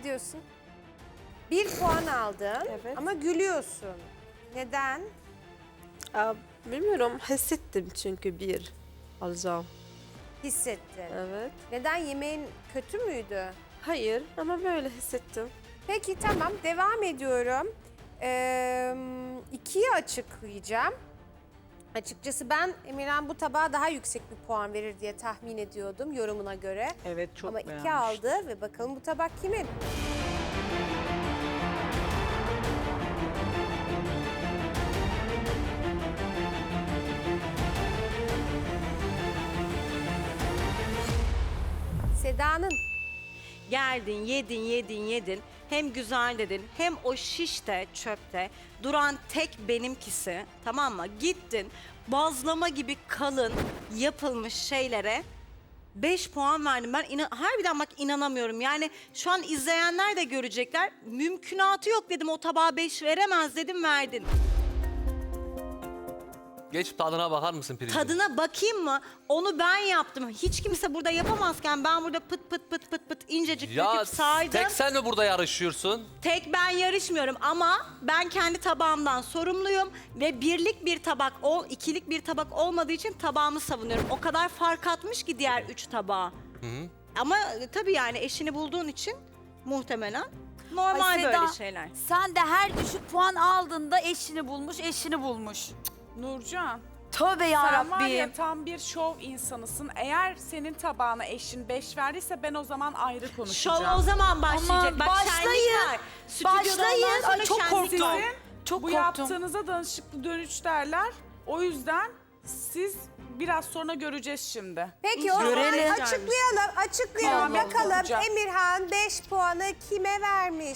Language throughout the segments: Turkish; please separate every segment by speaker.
Speaker 1: ediyorsun. 1 puan aldın
Speaker 2: Evet.
Speaker 1: ama gülüyorsun. Neden?
Speaker 2: Bilmiyorum, hissettim çünkü bir alacağım.
Speaker 1: Hissettin.
Speaker 2: Evet.
Speaker 1: Neden? Yemeğin kötü müydü?
Speaker 2: Hayır ama böyle hissettim.
Speaker 1: Peki tamam, devam ediyorum. 2'yi açıklayacağım. Açıkçası ben Emirhan bu tabağa daha yüksek bir puan verir diye tahmin ediyordum yorumuna göre.
Speaker 3: Evet, çok
Speaker 1: Ama 2
Speaker 3: beğenmiştim.
Speaker 1: aldı ve bakalım bu tabak kimin? Seda'nın.
Speaker 4: Geldin, yedin. Hem güzel dedin, hem o şişte, çöpte duran tek benimkisi, tamam mı? Gittin, bazlama gibi kalın yapılmış şeylere 5 puan verdim. Ben harbiden bak inanamıyorum. Yani şu an izleyenler de görecekler. Mümkünatı yok dedim, o tabağa 5 veremez dedim, verdin.
Speaker 5: Geç tadına bakar mısın pirincin?
Speaker 4: Tadına bakayım mı? Onu ben yaptım. Hiç kimse burada yapamazken ben burada pıt pıt incecik
Speaker 5: Ya
Speaker 4: döküp saydım.
Speaker 5: tek sen mi burada yarışıyorsun?
Speaker 4: Tek ben yarışmıyorum ama ben kendi tabağımdan sorumluyum ve birlik bir tabak, ikilik bir tabak olmadığı için tabağımı savunuyorum. O kadar fark atmış ki diğer 3 tabağa. Ama tabii yani eşini bulduğun için muhtemelen normal
Speaker 6: Ay Seda,
Speaker 4: böyle şeyler.
Speaker 6: Sen de her düşük puan aldığında eşini bulmuş.
Speaker 3: Nurcan,
Speaker 6: Tövbe
Speaker 3: sen var ya
Speaker 6: yarabbim.
Speaker 3: tam bir şov insanısın. Eğer senin tabağına eşin 5 verdiyse ben o zaman ayrı konuşacağım.
Speaker 4: Şov o zaman başlayacak.
Speaker 6: Aman,
Speaker 4: Bak
Speaker 6: başlayın.
Speaker 4: şenlik var. Stüdyoda
Speaker 6: Başlayın.
Speaker 4: ondan sonra
Speaker 6: Ay, çok
Speaker 4: şenlik
Speaker 6: korktum.
Speaker 4: var.
Speaker 3: Sizin
Speaker 6: Çok
Speaker 3: bu
Speaker 6: korktum.
Speaker 3: yaptığınıza danışıklı dönüş derler. O yüzden siz biraz sonra göreceğiz şimdi.
Speaker 1: Peki o zaman
Speaker 6: Görelim.
Speaker 1: açıklayalım.
Speaker 3: Tamam,
Speaker 1: Bakalım
Speaker 3: olacak.
Speaker 1: Emirhan 5 puanı kime vermiş?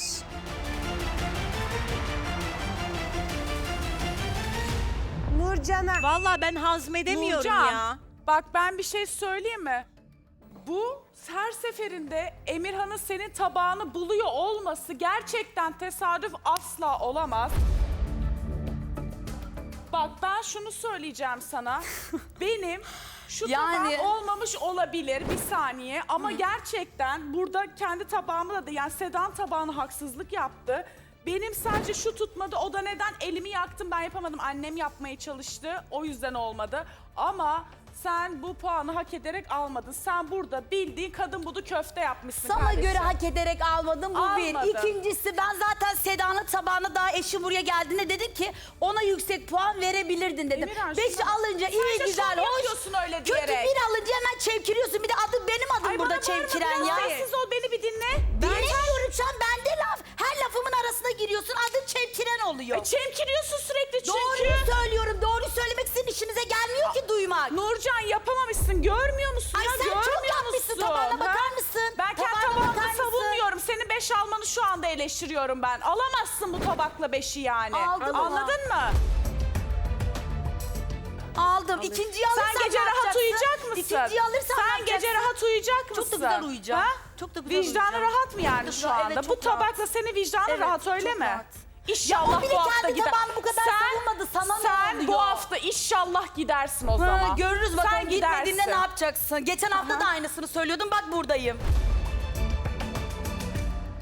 Speaker 1: Nurcan'a.
Speaker 4: Vallahi ben hazmedemiyorum
Speaker 3: Nurcan,
Speaker 4: ya.
Speaker 3: bak ben bir şey söyleyeyim mi? Bu her seferinde Emirhan'ın senin tabağını buluyor olması gerçekten tesadüf asla olamaz. Bak ben şunu söyleyeceğim sana. Benim şu
Speaker 6: Yani-
Speaker 3: tabak olmamış olabilir bir saniye ama gerçekten burada kendi tabağımı da yani Sedan tabağına haksızlık yaptı. Benim sadece şu tutmadı. O da neden? Elimi yaktım, ben yapamadım. Annem yapmaya çalıştı. O yüzden olmadı. Ama sen bu puanı hak ederek almadın. Sen burada bildiğin kadın budu köfte yapmışsın
Speaker 6: Sana
Speaker 3: kardeşim.
Speaker 6: göre hak ederek almadım bu bir.
Speaker 3: Almadın.
Speaker 6: İkincisi ben zaten Seda'nın tabağına daha eşi buraya geldiğinde dedim ki ona yüksek puan verebilirdin dedim.
Speaker 3: Emirhan,
Speaker 6: 5
Speaker 3: şuna-
Speaker 6: alınca
Speaker 3: Sen
Speaker 6: iyi
Speaker 3: de
Speaker 6: güzel
Speaker 3: şov
Speaker 6: hoş.
Speaker 3: yapıyorsun öyle
Speaker 6: Kötü
Speaker 3: diyerek.
Speaker 6: bir alınca hemen çevkiriyorsun. Bir de benim adım
Speaker 3: Ay
Speaker 6: burada
Speaker 3: bana bağırma,
Speaker 6: çevkiren
Speaker 3: biraz
Speaker 6: ya.
Speaker 3: sessiz ol, beni bir dinle.
Speaker 6: Dinlemiyorum şu an bende laf. Her lafımın arasına giriyorsun adın çevkiren oluyor.
Speaker 3: Çemkiriyorsun sürekli çünkü.
Speaker 6: Doğruyu söylüyorum. Doğru söylemek sizin işinize gelmiyor ki duymak.
Speaker 3: Nurcan yapamamışsın, görmüyor musun
Speaker 6: Ay
Speaker 3: ya?
Speaker 6: sen çok
Speaker 3: Görmüyor
Speaker 6: yapmışsın,
Speaker 3: musun?
Speaker 6: tabağına
Speaker 3: Ha?
Speaker 6: bakar mısın?
Speaker 3: Ben kendi
Speaker 6: Tabağına
Speaker 3: tabağımı
Speaker 6: bakar mısın?
Speaker 3: savunmuyorum. Senin 5 almanı şu anda eleştiriyorum ben. Alamazsın bu tabakla 5'i yani.
Speaker 6: Aldım ama.
Speaker 3: Anladın mı?
Speaker 6: Aldım. İkinciyi alırsam
Speaker 3: Sen gece
Speaker 6: ne
Speaker 3: rahat
Speaker 6: yapacaksın?
Speaker 3: uyuyacak mısın?
Speaker 6: İkinciyi alırsam ne
Speaker 3: Sen
Speaker 6: yapacaksın?
Speaker 3: gece rahat uyuyacak mısın?
Speaker 6: Çok da güzel uyuyacağım.
Speaker 3: Ha?
Speaker 6: Çok da güzel
Speaker 3: Vicdanı
Speaker 6: uyuyacağım.
Speaker 3: rahat mı yani
Speaker 6: Çok
Speaker 3: şu
Speaker 6: da-
Speaker 3: anda?
Speaker 6: evet,
Speaker 3: Bu
Speaker 6: çok rahat.
Speaker 3: tabakla seni vicdanı
Speaker 6: Evet,
Speaker 3: rahat öyle
Speaker 6: çok
Speaker 3: mi?
Speaker 6: rahat.
Speaker 3: İnşallah
Speaker 6: Ya o bile
Speaker 3: bu hafta
Speaker 6: kendi
Speaker 3: gider.
Speaker 6: tabağını bu kadar savunmadı. Sana ne
Speaker 3: sen bu
Speaker 6: oluyor?
Speaker 3: hafta inşallah gidersin o
Speaker 6: Ha,
Speaker 3: zaman.
Speaker 6: görürüz
Speaker 3: Sen
Speaker 6: bakalım gitmediğinde
Speaker 3: gidersin.
Speaker 6: ne yapacaksın? Geçen hafta da aynısını söylüyordum bak buradayım.